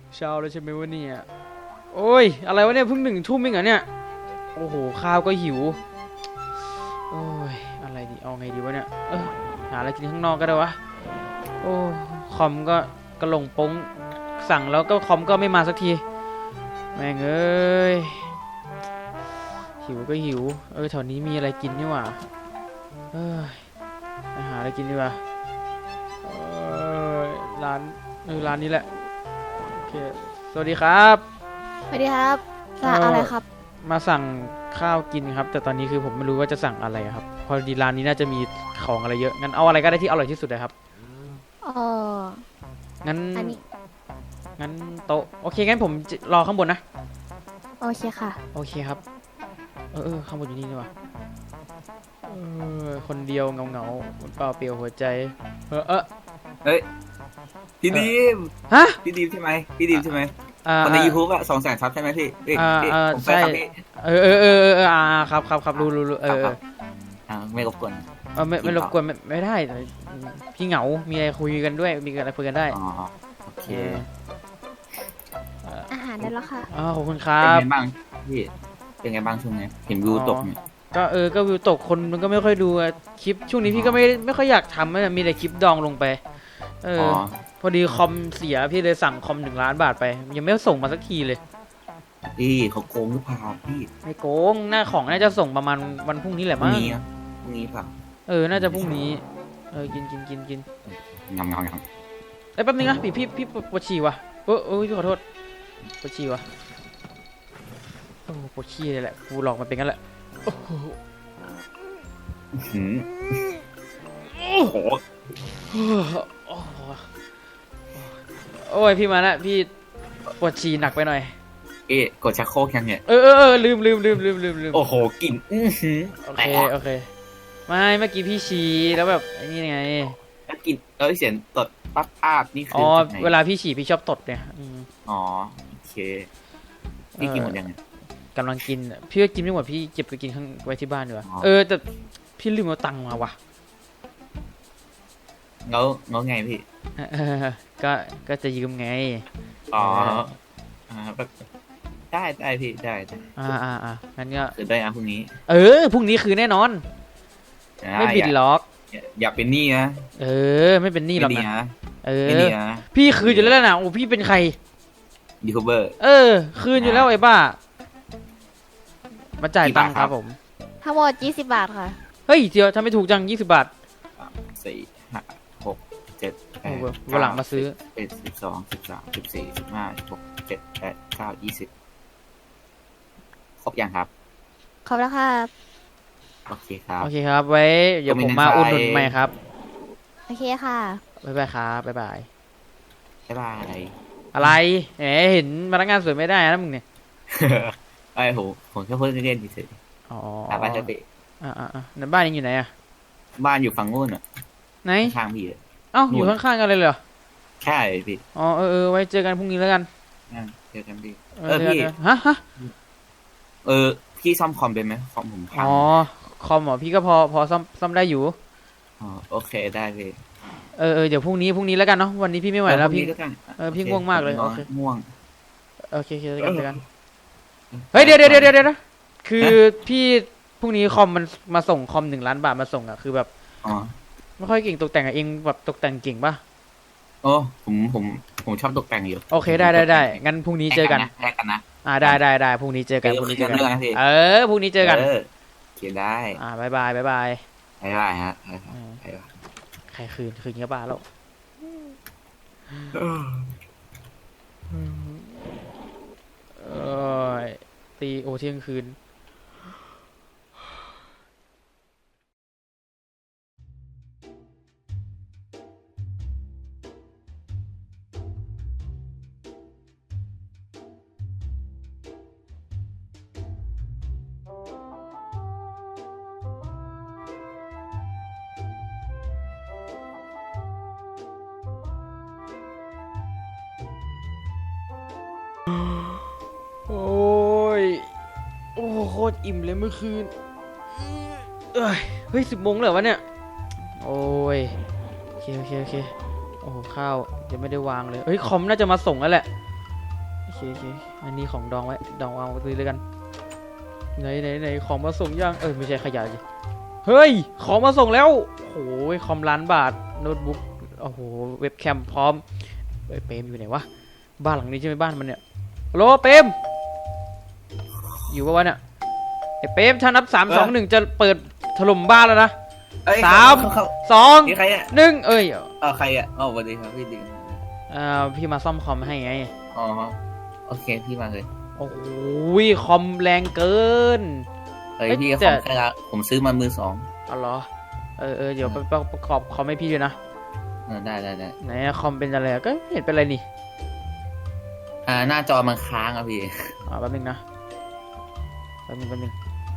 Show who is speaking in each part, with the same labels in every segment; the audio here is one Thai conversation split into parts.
Speaker 1: เช้าแล้วใช่ไหมวะเนี่ยโอ้ยอะไรวะเนี่ยเพิ่ง1 ทุ่มเองเหรอเนี่ยโอ้โหข้าวก็หิวโอ้ยอะไรดีเอาไงดีวะเนี่ยหาอะไรกินข้างนอกก็ได้วะโอ้คอมก็กระหลงปงสั่งแล้วก็คอมก็ไม่มาสักทีแม่งเอ้ยหิวก็หิวแถวนี้มีอะไรกินนี่หว่าไปหาอะไรกินดีกว่าร้านร้านนี้แหละโอเคสวัสดีครับ
Speaker 2: สวัสดีครับสั่งอะไรครับ
Speaker 1: มาสั่งข้าวกินครับแต่ตอนนี้คือผมไม่รู้ว่าจะสั่งอะไรครับพอดีร้านนี้น่าจะมีของอะไรเยอะงั้นเอาอะไรก็ได้ที่อร่อยที่สุดเลยครับงั้น
Speaker 2: อันนี้
Speaker 1: งั้นโต๊ะโอเคงั้นผมรอข้างบนนะ
Speaker 2: โอเคค่ะ
Speaker 1: โอเคครับข้างบนอยู่นี่นี่วะคนเดียวเงาเปล่าเปลี่ยวหัวใจ
Speaker 3: เฮ้ยพี่ดีม
Speaker 1: ฮะ
Speaker 3: พี่ดีมใช่ไหมพี่ดีมใช่ไหมคนใน YouTube อะ200,000 ซับใช่ไหมพี่ผมไป
Speaker 1: ใช่
Speaker 3: ครับพี่
Speaker 1: ครับรู้
Speaker 3: ไม่รบกวน
Speaker 1: ไม่รบกวนไม่ได้พี่เหงามีอะไรคุยกันด้วยมีอะไรคุยกันได้
Speaker 3: อ๋อโอเค
Speaker 2: อาหารได้แล้วค่ะ
Speaker 1: ขอบคุณครั
Speaker 3: เป็น
Speaker 1: บ
Speaker 3: ไงบ้างพี่เป็นไงบ้างช่วงนี้เห็นวิวตกเนี่ย
Speaker 1: ก็วิวตกคนมันก็ไม่ค่อยดูคลิปช่วงนี้พี่ก็ไม่ค่อยอยากทำมีแต่คลิปดองลงไปพอดีคอมเสียพี่เลยสั่งคอม1 ล้านบาทไปยังไม่ส่งมาสักทีเลย
Speaker 3: เขาโกงหรือเปล่าพี่
Speaker 1: ไม่โกงหน้าของน่าจะส่งประมาณวันพรุ่งนี้แหละมั้ง
Speaker 3: พรุ่งนี้เปล่า
Speaker 1: น่าจะพรุ่งนี้กิน
Speaker 3: งำ
Speaker 1: แป๊บนึงนะพี่ปวดฉี่วะพี่ขอโทษปวดฉี่วะปวดฉี่เลยแหละกูหลอกมันเป็นงั้นแหละโอ้ยพี่มาแล้วพี่ปวดฉี่หนักไปหน่อย
Speaker 3: กดชักโครกยังเนี่ย
Speaker 1: ลืม
Speaker 3: โอ้โหกลิ่น
Speaker 1: โอเคไม่เมื่อกี้พี่ฉี่แล้วแบบไอ้นี่ไง
Speaker 3: กลิ่นเสียงตดปั๊บนี่คือ
Speaker 1: เวลาพี่ฉี่พี่ชอบตดเนี่ย
Speaker 3: โอเคพี่กินหมดยัง
Speaker 1: กำลังกินพี่ก็กินไม่หมดพี่เก็บไปกินข้างไว้ที่บ้านดีกว่าแต่พี่ลืมเอาตังค์มาวะ
Speaker 3: เงาไงพี่
Speaker 1: ก็จะยืมไง
Speaker 3: ได้พี่ได้
Speaker 1: งั้นก็
Speaker 3: คือได้พรุ่งนี้
Speaker 1: พรุ่งนี้คือแน่นอนไม่บิดล็อก
Speaker 3: อย่าเป็นหนี้นะ
Speaker 1: ไม่เป็นหนี้หรอกนะ
Speaker 3: ไม่หนี้นะ
Speaker 1: พี่คืนอยู่แล้วนะโอ้พี่เป็นใคร
Speaker 3: ยูทูบเบอร์
Speaker 1: คืนอยู่แล้วไอ้บ้ามาจ่ายตังค์ครับผม
Speaker 2: ทั้งหมด20 บาทค่ะ
Speaker 1: เฮ้ยเดี๋ยวทำไม่ถูกจัง20 บาท
Speaker 3: 4 5 6 7 8
Speaker 1: วันหลังมาซื้อ
Speaker 3: 11 12 13 14 15 16 17 18 19 20ครบยังครับ
Speaker 2: ครบแล้วครับ
Speaker 3: โอเคครับ
Speaker 1: ไว้เดี๋ยวผมมาอุดหนุนใหม่ครับ
Speaker 2: โอเคค่ะ
Speaker 1: บ๊ายบายครับบ๊ายบาย
Speaker 3: อะไร
Speaker 1: เห็นพนักงานสวยไม่ได้นะมึงเนี่ย
Speaker 3: ผมแค่พูดเล่นเฉยบ้านจะเตะ
Speaker 1: ในบ้านยังอยู่ไหนอะ
Speaker 3: บ้านอยู่ฝั่งนู้นอ่ะ
Speaker 1: ไหน
Speaker 3: ข้างพี่
Speaker 1: อยู่ข้างๆกันเลยเหรอ
Speaker 3: ใช่พี่
Speaker 1: ไว้เจอกันพรุ่งนี้แล้วกัน
Speaker 3: เจอกันพี่
Speaker 1: พี่ฮะ
Speaker 3: พี่ซ่อมคอมเป็นไหมคอมผมพัง
Speaker 1: คอมพี่ก็พอซ่อมได้อยู่
Speaker 3: โอเคได้พี่
Speaker 1: เดี๋ยวพรุ่งนี้แล้วกันเนาะวันนี้พี่ไม่ไหวแล้วพี่ง่วงมากเลยโอเค
Speaker 3: ง่วง
Speaker 1: โอเคเจอกันเฮ้ยเดี๋ยวคือพี่พรุ่งนี้คอมมันมาส่งคอม1 ล้านบาทมาส่งอะคือแบบไม่ค่อยเก่งตกแต่งเองแบบตกแต่งเก่งป่ะ
Speaker 3: ผมชอบตกแต่งอยู่
Speaker 1: โอเคได้งั้นพรุ่งนี้เจอกัน
Speaker 3: แลกกันนะ
Speaker 1: ได้พรุ่งนี้เจอกันพรุ่งนี้เจอกันพรุ่งนี้เจอกัน
Speaker 3: เขียนได้
Speaker 1: บ๊ายบาย
Speaker 3: ฮะ
Speaker 1: ใครคืนเงี้ยบ้าแล้วตีเที่ยงคืนโคตรอิ่มเลยเมื่อคืนเฮ้ย10 โมงแล้ววะเนี่ยโอ้ยโอเคโอ้โหข้าวยังไม่ได้วางเลยเฮ้ยคอมน่าจะมาส่งแล้วแหละเคอันนี้ของดองไว้ดองวางไว้ตรงนี้เลยกันไหนของมาส่งยังไม่ใช่ขยะสิเฮ้ยของมาส่งแล้วโอ้ยคอมล้านบาทโน้ตบุ๊กโอ้โหเว็บแคมพร้อมเปรมอยู่ไหนวะบ้านหลังนี้ใช่ไหมบ้านมันเนี่ยโลเปรมอยู่ปะวะเนี่ยไอ้เปรมถ้านับ3 2 1จะเปิดถล่มบ้านแล้วนะ
Speaker 3: เอ้ย
Speaker 1: 3 2
Speaker 3: นี่ใครอ่ะ
Speaker 1: 1
Speaker 3: ใครอ่ะสวัสดีครับพี่ดิง
Speaker 1: พี่มาซ่อมคอมให้ไง
Speaker 3: อ๋อโอเคพี่มาเลย
Speaker 1: โอ้โหคอมแรงเกิน
Speaker 3: เฮ้ย
Speaker 1: เอ้ย
Speaker 3: พี่
Speaker 1: แต่
Speaker 3: ของใครละผมซื้อมามือ 2
Speaker 1: เอาเหรอเดี๋ยวไปประกอบคอมให้พี่ด้วยนะ
Speaker 3: ได้
Speaker 1: ไหนอะคอมเป็นอะไรอะก็ไม่เห็นเป็นไรนี่
Speaker 3: หน้าจอมันค้างอ่ะพี่
Speaker 1: แป๊บนึงนะแป๊บนึง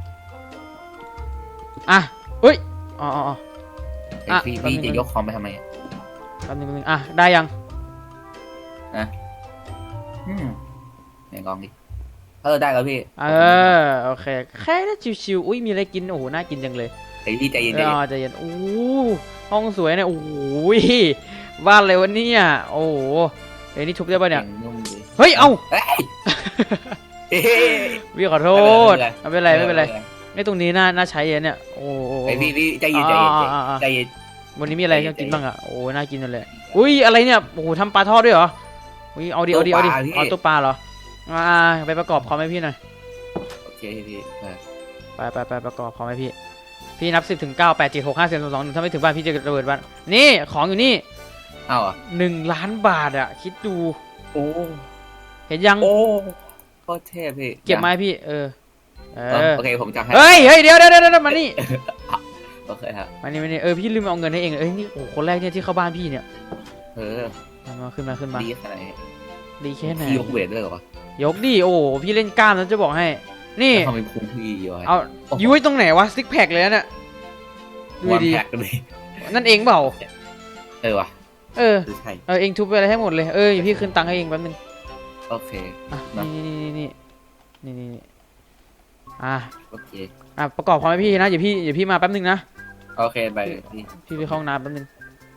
Speaker 1: อ่ะเอ้ยอ๋อ
Speaker 3: ไอ้พี่จะยกคอมไปทำไมอ่ะ
Speaker 1: แป๊บนึงได้ยัง
Speaker 3: ไหนลองดิได้แล้วพี่
Speaker 1: โอเคแค่นั้นชิวๆอุ้ยมีอะไรกินโอ้โหน่ากินจังเลย
Speaker 3: ไอ้พี่ใจเย็น
Speaker 1: ใจเย็นโอ้ห้องสวยเนี่ยโอ้โหบ้านอะไรวะเนี่ยโอ้โหนี่ทุบได้ป่ะเนี่ย
Speaker 3: นุ่มดี
Speaker 1: เฮ้ยเอ้า
Speaker 3: เฮ้ย
Speaker 1: พี่ขอโทษไม่เป็นไรไม่ตรงนี้น่าใช้เนี่ยโอ้
Speaker 3: ไอ้พี่ใจเย็นใจเย็น
Speaker 1: วันนี้มีอะไรให้กินบ้างอ่ะโอ้น่ากินนั่นแหละอุ้ยอะไรเนี่ยโอ้โหทำปลาทอดด้วยเหรออุ้ยเอาดิเอาตัวปลาเหรอไปประกอบคอมให้พี่หน่อย
Speaker 3: โอเคพี่
Speaker 1: ไปประกอบคอมให้พี่นับ10 ถึง 9 8 7 6 5 4 3 2 1ถ้าไม่ถึงบ้านพี่จะระเบิดบ้านนี่ของอยู่นี่1 ล้านบาทอ่ะคิดดู
Speaker 3: โอ้
Speaker 1: เห็นยัง
Speaker 3: โอ้โคตรเทพพี่
Speaker 1: เก็บไม้พี่
Speaker 3: โอเคผมจะให้
Speaker 1: เฮ้ยเดี๋ยวมานี่
Speaker 3: โอเคครับ
Speaker 1: มานี่พี่ลืมเอาเงินให้เองนี่โอ้คนแรกเนี่ยที่เข้าบ้านพี่เนี่ยมาขึ้นมา
Speaker 3: ดีขนาดไหน
Speaker 1: ดีแค่ไหน
Speaker 3: พี่ยกเวทด้วยเหรอย
Speaker 1: กดิโอ้พี่เล่นกล้ามแล้วจะบอกให้นี่
Speaker 3: ทำเป็นคุ้มพี่อยู่
Speaker 1: เอายุ้ยตรงไหนวะซิกแพคเลยเนี่ยดูดีนั่นเองเปล่า
Speaker 3: ว่ะใช่
Speaker 1: เองทุบไปอะไรให้หมดเลยพี่คืนตังค์ให้เองแป๊บนึง
Speaker 3: โอเค
Speaker 1: นี่
Speaker 3: โอเค
Speaker 1: ประกอบความให้พี่นะอย่าพี่มาแป๊บนึงนะ
Speaker 3: โอเคไป
Speaker 1: พี่ไปเข้าห้องน้ำแป๊บนึง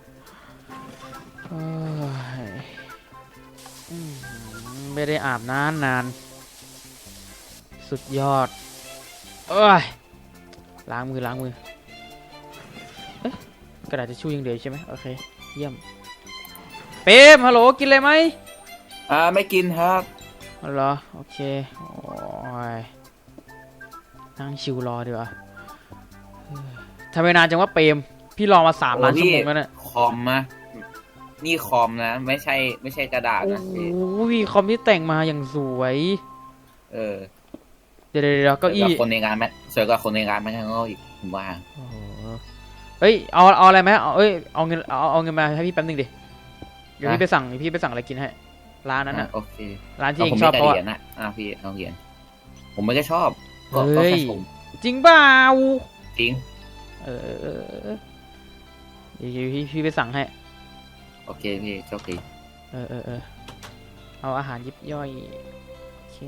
Speaker 1: ไม่ได้อาบน้ำนานสุดยอดล้างมือกระดาษทิชชู่ยังเดียวใช่ไหมโอเคเยี่ยมเป๊มฮัลโหลกินอะไรไหม
Speaker 3: ไม่กินครับ
Speaker 1: เหรอโอเคโอ้ยนั่งชิวรอดีกว่าทำไมนานจังว่าเปรมพี่รอมา3 ล้านชั่วโมงแล้วเนี่ย
Speaker 3: คอมนะนี่คอมนะไม่ใช่กระดาษนะ
Speaker 1: พี่คอมที่แต่งมาอย่างสวยเดี๋ยวเก้าอี้
Speaker 3: คนในงานไหมสวยกว่าคนในงานไหมทั้งอีกผมว่า
Speaker 1: เฮ้ยเอาอะไรไหมเอาเงินมาให้พี่แป๊บนึงดิเดี๋ยวพี่ไปสั่งอะไรกินให้ร้านนั้นน่ะ
Speaker 3: โอเค
Speaker 1: ร้านที่เองชอบเพราะ
Speaker 3: นะพี่เอาเหรียญผมไม่ได้ชอบ
Speaker 1: ก็แค่ชมจริงเปล่า
Speaker 3: จริง
Speaker 1: พี่ไปสั่งให้
Speaker 3: โอเคพี่โชคดี
Speaker 1: เอาอาหารยิบย่อยโอเค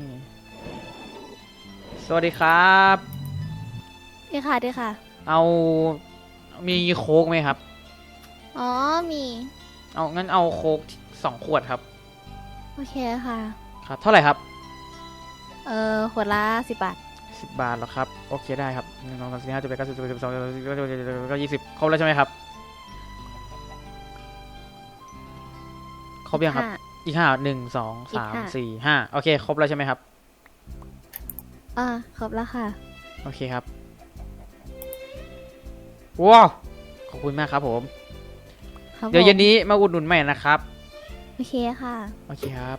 Speaker 1: สวัสดีครับ
Speaker 2: ดีค่ะ
Speaker 1: เอามีโค้กไหมครับ
Speaker 2: อ๋อมี
Speaker 1: งั้นเอาโค้ก2 ขวดครับ
Speaker 2: โอเคค่ะ
Speaker 1: ครับเท่าไหร่ครับ
Speaker 2: ขวดละ10 บาท
Speaker 1: 10 บาทเหรอครับโอเคได้ครับ1 2 3 4 5 6 7 8 9 10 11 12 20ครบแล้วใช่ไหมครับครบยังครับอีก5 1 2 3 4 5โอเคครบแล้วใช่ไหมครับ
Speaker 2: ครบแล้วค่ะ
Speaker 1: โอเคครับว้าวขอบคุณมากครับผมเดี๋ยวเย็นนี้มาอุดหนุนใหม่นะครับ
Speaker 2: โอเคค่ะ
Speaker 1: โอเคครับ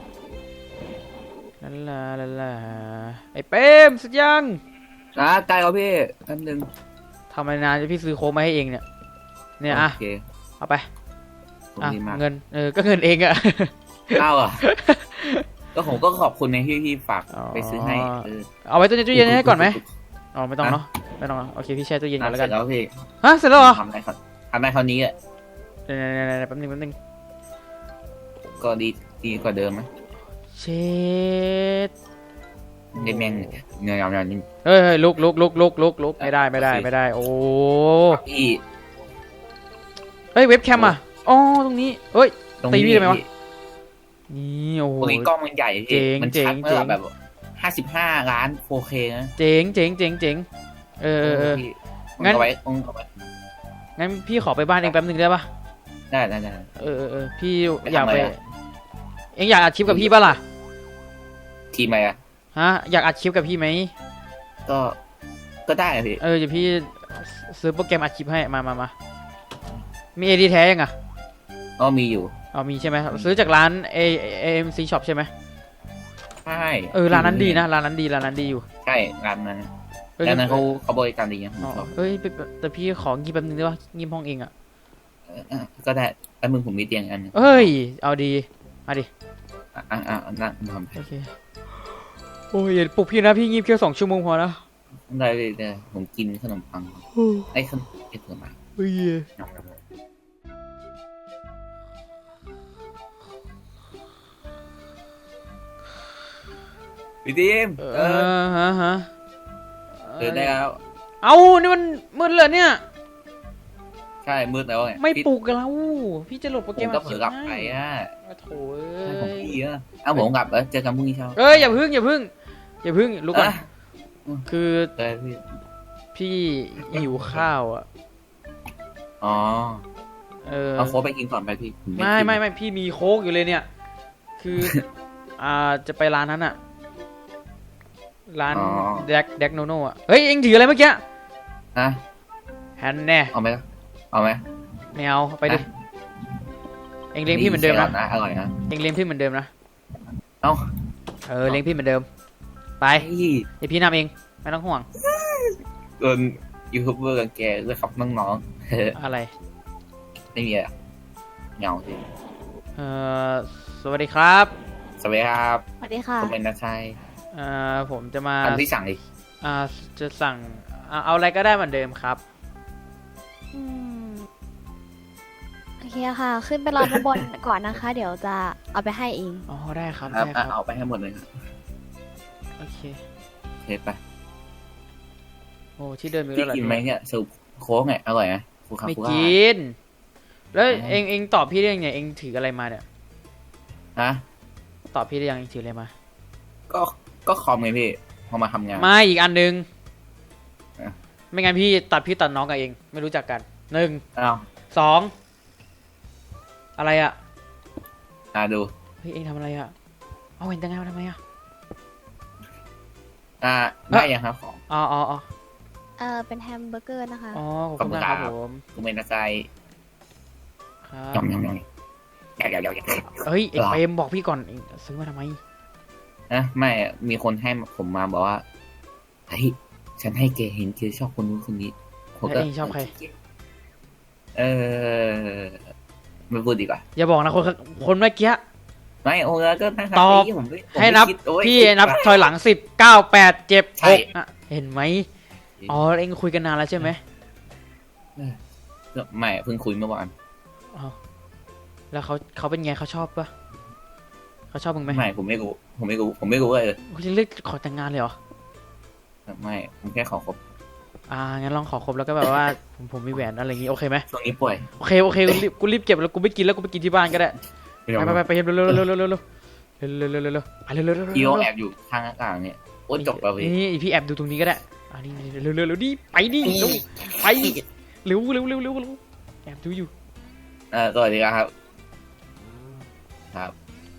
Speaker 1: ลาไอ้เป้มสุดยัง
Speaker 3: ใกล้แล้วพี่แป๊บนึง
Speaker 1: ทำไมนานจะพี่ซื้อโค้กมาให้เองเนี่ยเอาไปเงินก็เงินเองอะ
Speaker 3: ก็ผมก็ขอบคุณในที่พี่ฝากไปซื้อให้
Speaker 1: เอาไว้ตู้เย็นให้ก่อนไหมไม่ต้องเนาะไม่ต้องโอเคพี่แช่ตู้เย็นก่อนแล้วกัน
Speaker 3: แล้วพี่
Speaker 1: เสร็จแล้วเหรอ
Speaker 3: ทำได้คราวนี้อ่ะ
Speaker 1: แป๊บนึง
Speaker 3: ก็ดีกว่าเดิมไหม
Speaker 1: เช็ด
Speaker 3: แม่งเงยนี่
Speaker 1: ลุกไม่ได้โอ้
Speaker 3: พี่
Speaker 1: เว็บแคมอ่ะตรงนี้ตีพี่ทำไมวะนี่โอ้โห
Speaker 3: ตัวนี้กล้องมันใหญ่
Speaker 1: เจ๋ง
Speaker 3: มัน
Speaker 1: เจ๋
Speaker 3: ชั
Speaker 1: ง
Speaker 3: ด
Speaker 1: เจ๋
Speaker 3: เมื่อง แบบ55 ล้าน 4K นะ
Speaker 1: เจ๋งเจ๋งเจ๋งเจ๋งเออ
Speaker 3: พี่
Speaker 1: งั้น
Speaker 3: เอาไว้เอาไว้
Speaker 1: งั้นพี่ขอไปบ้านเองแป๊บนึงได้ปะ
Speaker 3: ได้
Speaker 1: เออพี่
Speaker 3: ไปทำ
Speaker 1: อยากไป
Speaker 3: อะไรอะ
Speaker 1: เองอยากอัดคลิปกับพี่ปะล่ะ
Speaker 3: ทีมอะไรอะ
Speaker 1: ฮะอยากอัดคลิปกับพี่ไหม
Speaker 3: ก็ได้อะพี่
Speaker 1: เดี๋ยวพี่ซื้อโปรแกรมอัดคลิปให้มามีเอดีแท้ยังอ่ะ
Speaker 3: ก็มีอยู่
Speaker 1: เอามีใช่ไหมซื้อจากร้าน AMC Shop ใช่ไหม
Speaker 3: ใช่
Speaker 1: ร้านนั้นดีนะร้านนั้นดีอยู่
Speaker 3: ใช่ร้านนั้น
Speaker 1: เออ
Speaker 3: ร้านนั้นเขาบริการดีนะผม
Speaker 1: อ๋อ
Speaker 3: ชอบ
Speaker 1: เฮ้ยแต่พี่ของงีบแป๊บนึงได้ปะงีบห้องเองอ่ะ
Speaker 3: ก็ได้แล้วมึงผมมีเตียงอันหนึง
Speaker 1: เฮ้ยเอาดีมาดิ
Speaker 3: นั่งทำ
Speaker 1: โอเคโอ้ยอย่าปลุกพี่นะพี่งีบแค่2 ชั่วโมงพอนะ
Speaker 3: ได้เลยผมกินขนมปังไอ้ขนมปัง
Speaker 1: เฮ้ย
Speaker 3: พี่ทีม
Speaker 1: ฮะ
Speaker 3: เดินได้แล้ว
Speaker 1: เอานี่มันมืดเลยเนี่ย
Speaker 3: ใช่มืดแล้วไง
Speaker 1: ไม่ปลุกเราพี่จะโหลดโปร
Speaker 3: ผ
Speaker 1: แกรม
Speaker 3: มก็เผลอกลับไปอ่ะ
Speaker 1: โถ่
Speaker 3: ใช่ผม
Speaker 1: เอ้ย
Speaker 3: พี่อ่ะเอาผมกลับเจอกันพรุ่งนี้เช้า
Speaker 1: เอ้ยอย่าพึ่งลุกก่อน
Speaker 3: อ่ะ
Speaker 1: คือ
Speaker 3: เออพี่
Speaker 1: พี่หิวข้าวอ่ะ
Speaker 3: อ๋อ
Speaker 1: เ
Speaker 3: เอาโค้กไปกินก่อนไปพี่ผ
Speaker 1: ไม่
Speaker 3: กิน
Speaker 1: ไม่พี่มีโค้กอยู่เลยเนี่ย คือ จะไปร้านนั้นอ่ะ ร้านแดกโนโน่อ่ะเฮ้ยเอ็งถืออะไรเมื่อกี้
Speaker 3: ฮะ
Speaker 1: แฮนแน่
Speaker 3: เอาไหมล่ะเอาไหม
Speaker 1: ไม่เอาไปดิเอ็งเลี้ยงพี่เหมือนเดิมนะ
Speaker 3: อร่อยนะ
Speaker 1: เอ็งเลี้ยงพี่เหมือนเดิมนะ
Speaker 3: เอ้า
Speaker 1: เลี้ยงพี่เหมือนเดิมไป
Speaker 3: เฮ้ย
Speaker 1: เดี๋ยวพี่นำเองไม่ต้องห่วง
Speaker 3: โดนยูทูบเบอร์กันแกด้วยครับน้องๆ
Speaker 1: อะไร
Speaker 3: ไม่มีอะเหงาสิ
Speaker 1: สวัสดีครับ
Speaker 3: สวัสดีครับ
Speaker 2: สวัสดีค่ะ
Speaker 3: ผมเป็นนักชัย
Speaker 1: ผมจะมา
Speaker 3: อันที่สั่งดิ
Speaker 1: จะสั่งเอาอะไรก็ได้เหมือนเดิมครับ
Speaker 2: อืมโอเคค่ะ ขึ้นไปรอด้านบนก่อนนะคะ เดี๋ยวจะเอาไปให้เอง
Speaker 1: อ๋อได้ครับ
Speaker 3: ครับ
Speaker 1: ได้ครับ
Speaker 3: เอาไปให้หมดเลยครับ
Speaker 1: โอเค
Speaker 3: โอเคไป
Speaker 1: โอ้ที่เดินมี
Speaker 3: พี่
Speaker 1: แล้วเหรอ
Speaker 3: กินไหมเนี่ยสูบโค้กไงอร่อยไหมฟูคา
Speaker 1: ไม่
Speaker 3: ฟูคา
Speaker 1: กิน แล้ว
Speaker 3: อ๋อ
Speaker 1: เองตอบพี่ได้ยังไงเองถืออะไรมาเนี่ย
Speaker 3: ฮะ
Speaker 1: ตอบพี่ได้ยังเองถืออะไรมา
Speaker 3: ก็คอมไงพี่พอมาทำงาน
Speaker 1: ไม่อีกอันนึง
Speaker 3: อ่ะ
Speaker 1: ไม่งั้นพี่ตัดน้องกับเองไม่รู้จักกัน1
Speaker 3: อ้าว
Speaker 1: 2อะไรอ่ะ
Speaker 3: ดู
Speaker 1: เฮ้ยเองทำอะไรอ่ะเอาเห็นแต่ไงมาทำไมอ่ะ
Speaker 3: ได้ยังครับของ
Speaker 1: อ๋อ
Speaker 2: เป็นแฮมเบอร์เกอร์นะคะ
Speaker 1: ขอบคุณมากครับผม
Speaker 3: ผมเป็นนักชัย
Speaker 1: ครับ
Speaker 3: ยำเดี๋ยว
Speaker 1: เฮ้ยเอ็ง
Speaker 3: หรอ
Speaker 1: เปรมบอกพี่ก่อนเองซื้อมาทำไม
Speaker 3: นะไม่มีคนให้ผมมาบอกว่าเฮ้ยฉันให้แกเห็นแกชอบคนนู้นคนนี้ผมก็
Speaker 1: แล้วเองชอบใคร
Speaker 3: ไม่พูดดีกว่า
Speaker 1: อย่าบอกนะคนเมื่อกี้
Speaker 3: ไม่โอ้แล้วก็นะครับ
Speaker 1: ตอบ
Speaker 3: ผมไม่
Speaker 1: ให้นับ
Speaker 3: คิดโอ้ย
Speaker 1: พี่นับถอยหลัง10 9 8 7
Speaker 3: ใช่
Speaker 1: 6อ่ะเห็นไหมอ๋อเองคุยกันนานแล้วใช่ไหม
Speaker 3: ไม่เพิ่งคุยเมื่อวาน
Speaker 1: อ๋อแล้วเขาเป็นไงเขาชอบปะเขาชอบมึงไหม
Speaker 3: ไม่ผมไม่รู้เลย
Speaker 1: คุณจะเลือกขอแต่งงานเลยเหรอ
Speaker 3: ไม่ผมแค่ขอคบ
Speaker 1: งั้นลองขอครบแล้วก็แบบว่า ผมมีแหวนอะไรอย่างงี้โอเคไหม
Speaker 3: ช่วงนี้ป่วย
Speaker 1: โอเคกูรีบเก็บแล้วกูไม่กินแล้วกูไปกินที่บ้านก็ได้ไปเร็วเร็วไปเร็ว
Speaker 3: พี่เขาแอบอยู่ข้างหน้าต่างเนี่ยโอ้ยจบแล้วพี่
Speaker 1: นี่พี่แอบดูตรงนี้ก็ได้นี่เร็วดิไปดิไปเร็วแอบดูอยู่
Speaker 3: สวัสดีครับครับ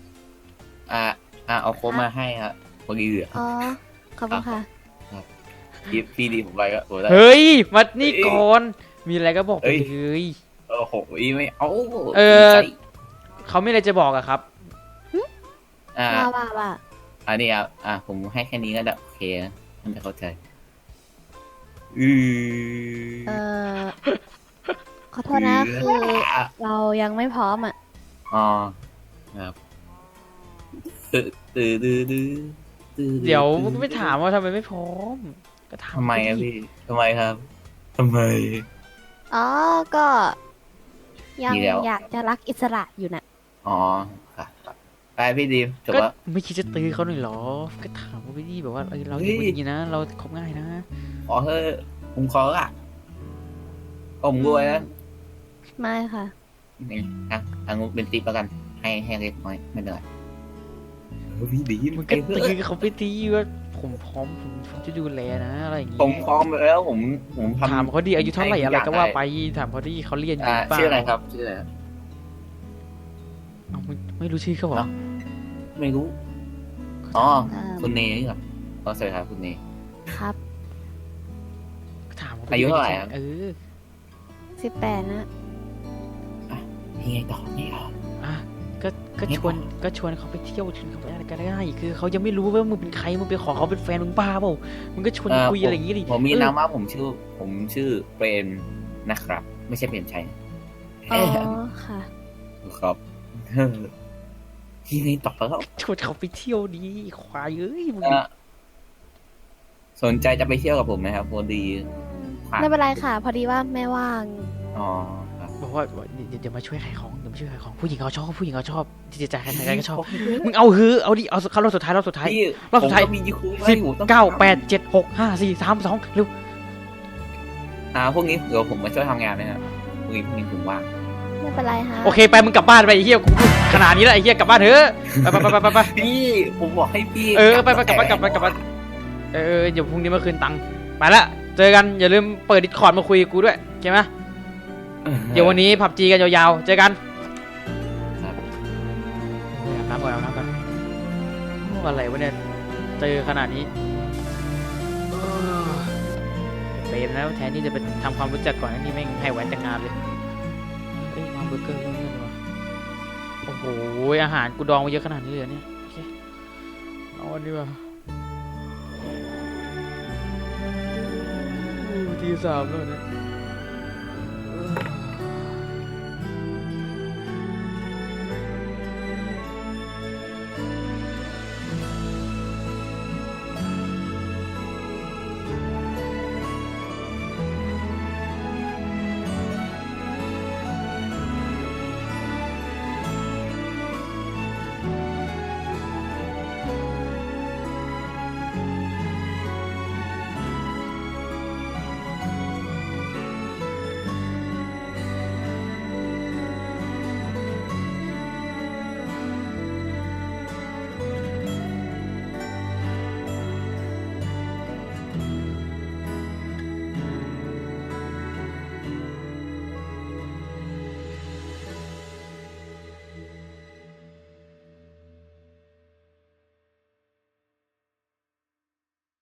Speaker 3: เอาโค้กมาให้ครับพอดีเหลือ
Speaker 2: อ๋อ ขอบคุณค่ะ
Speaker 3: พี่ดีผมไปก็โอ้ได้
Speaker 1: เฮ้ยมานี่ก่อนมีอะไรก็บอกไปเลย
Speaker 3: โอ้โหไม่เอา
Speaker 1: เขาไม่อะไรจะบอกอะครับ
Speaker 2: ว่า
Speaker 3: อันนี้ผมให้แค่นี้ก็ได้โอเคนะท่านจะเข้าใจ
Speaker 2: เออขอโทษนะ คือเรายังไม่พร้อมอ่ะ
Speaker 3: อ๋อครับ
Speaker 1: เดี๋ยวก็ไม่ถามว่าทำไมไม่พร้อมก็ถาม
Speaker 3: ทำไมอะพี่ทำไมครับทำไม
Speaker 2: อ๋อ ก็ยัง
Speaker 3: มีแล้ว
Speaker 2: อยากจะรักอิสระอยู่น่ะ
Speaker 3: อ๋อครับไปพี่ดีมจบ
Speaker 1: ก็
Speaker 3: แล้ว
Speaker 1: ไม่คิดจะตื้อเขาหน่อยหรอก็ถามว่าพี่แบบว่าเราอย่าพูดอย่างนี้นะ เราคบง่ายนะ
Speaker 3: ขอเถอะผมขอละผมรวยนะ
Speaker 2: ไม่ค่ะ
Speaker 3: นี่งบเป็นติ๊บแล้วกันให้เล็กน้อยไม่เป็นไรพี่ดี
Speaker 1: มึง
Speaker 3: ไอ้
Speaker 1: ก็
Speaker 3: เพื่อ
Speaker 1: ตีเขาไปทีว่าผมพร้อมผมจะดูแลนะอะไรอย่างงี้
Speaker 3: ผมพร้อมแล้วผมทำ
Speaker 1: ถามเขาดีอายุเท่าไหร่
Speaker 3: ให้ทุ
Speaker 1: อะไรก็ว่า
Speaker 3: ย่ง
Speaker 1: ไป
Speaker 3: ด้
Speaker 1: ถามเขาดีเขาเรียนอยู่
Speaker 3: อ่า
Speaker 1: หรือเปล่า
Speaker 3: ชื่ออะไรครับชื่ออะไรครับ
Speaker 1: เอาไม่รู้ชื่อเขาเหรอ
Speaker 3: เอ้า ไม่รู้อ๋อ
Speaker 2: เอิ่ม
Speaker 3: คุณเนนี่เหรอสวัสดีครับคุณเน
Speaker 2: ครับ
Speaker 1: ถามเขาป
Speaker 3: อายุเท่าไหร่ครับ
Speaker 1: เออ
Speaker 2: 18 นะ
Speaker 3: ยังไงต่อนี่ต่อ
Speaker 1: อ่ะก็
Speaker 3: เนี่ย
Speaker 1: ชวนเขาไปเที่ยวชวนเขาไปอะไรก็ได้คือเขายังไม่รู้ว่ามึงเป็นใครมึงไปขอเขาเป็นแฟนมึงบ้าเปล่ามึงก็ชวนคุยอะไรอย่างงี้ดิ
Speaker 3: ผมมี
Speaker 1: เออ
Speaker 3: นามว่าผมชื่อเปรมนะครับ ไม่ใช่เปรมชัย
Speaker 2: อ๋อ ค่ะ
Speaker 3: ครับยังไงต่อแล้ว
Speaker 1: ชวนเขาไปเที่ยวดีควายเอ้ยมึง
Speaker 3: สนใจจะไปเที่ยวกับผมไหมครับพอดีผ่าน
Speaker 2: ไม่เป็นไรค่ะ พอดีว่าแม่ว่าง
Speaker 3: อ๋อครับ
Speaker 1: บอกว่าเดี๋ยวมาช่วยขายของเดี๋ยวมาช่วยขายของผู้หญิงเขาชอบผู้หญิงเขาชอบที่จะจ่ายใครก็ชอบมึงเอาฮือเอาดิเอาเข้ารอบสุดท้ายรอบสุดท้าย
Speaker 3: พี่
Speaker 1: รอบสุดท้าย
Speaker 3: ผมก็มียูคู
Speaker 1: 10 9 8 7 6 5 4 3 2เร็ว
Speaker 3: พวกนี้เดี๋ยวผมมาช่วยทำงานนะครับพรุ่งนี้ผมว่าง
Speaker 2: ไม่เป็นไรฮะ
Speaker 1: โอเคไปมึงกลับบ้านไปไอ้เหี้ยกูพูดขนาดนี้แล้วไอ้เหี้ยกลับบ้านเถอะไป
Speaker 3: พี่ผมบอกให้พี่
Speaker 1: ไปกลับบ้านเดี๋ยวพรุ่งนี้มาคืนตังค์ไปละเจอกันอย่าลืมเปิดดิสคอร์ดมาคุยกับกูด้วยโอเคไหมเดี๋ยววันนี้ผับจีกันยาวๆเจอกัน
Speaker 3: ครับ
Speaker 1: อาบน้ำก่อนโอ้อะไรวะเนี่ยเจอขนาดนี้เปรมแล้วแทนที่จะไปทำความรู้จักก่อนนี่แม่งให้แหวนแต่งงานเลยเอ้ยมาเบอร์เกอร์เรื่องวะโอ้โหอาหารกูดองมาเยอะขนาดนี้เลยเหรอเนี่ยโอเคเอาอันนี้ว่ะที 3แล้วเนี่ย